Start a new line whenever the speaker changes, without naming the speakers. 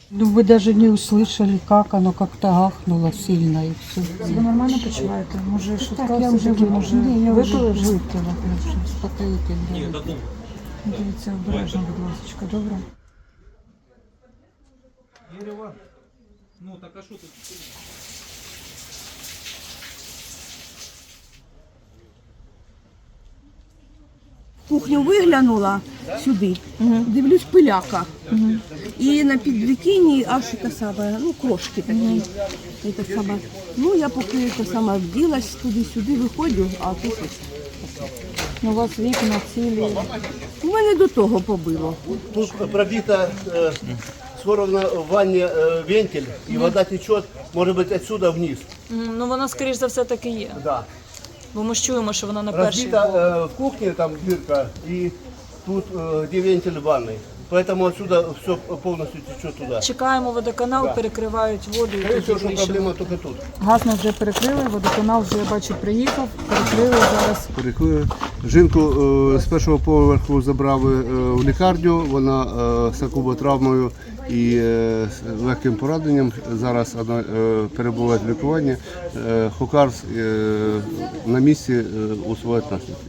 Ну, вы даже не услышали, как оно как-то гахнуло сильно и все.
Ви нормально почуваєте? Може, швидка
Так, я вже
все-таки, може, випили вже?
випила, я вже успокоїтельно.
Дивіться, обережно, будь ласка, добре?
Ну так а що тут?
Кухню виглянула сюди, дивлюсь, пиляка. І на підвікінні аж те саме, ну, крошки такі. І те саме. Ну, я поки те саме вділась туди-сюди, виходжу, а тут ось.
Ну, у вас вікна цілі.
У мене до того побило.
Тут пробита скоро в ванне вентиль, и вода течет, может быть, отсюда вниз.
Ну, вона, скоріш за все, так і є.
Да.
Бо ми ж чуємо, що вона на першій.
Разбита в кухне там дырка, и тут где вентиль в ванной. Поэтому отсюда все полностью течет туда.
Чекаємо водоканал, перекривають воду і
Скорее
тоді
всего, что
вийшли.
проблема только тут.
Газ нас вже перекрили, водоканал вже, я бачу, приїхав, перекрили зараз.
Перекрили. Жінку з першого поверху забрали в лікарню, вона з акуботравмою і з легким пораненням. Зараз вона перебуває в лікуванні. Хокарс на місці усуває наслідки.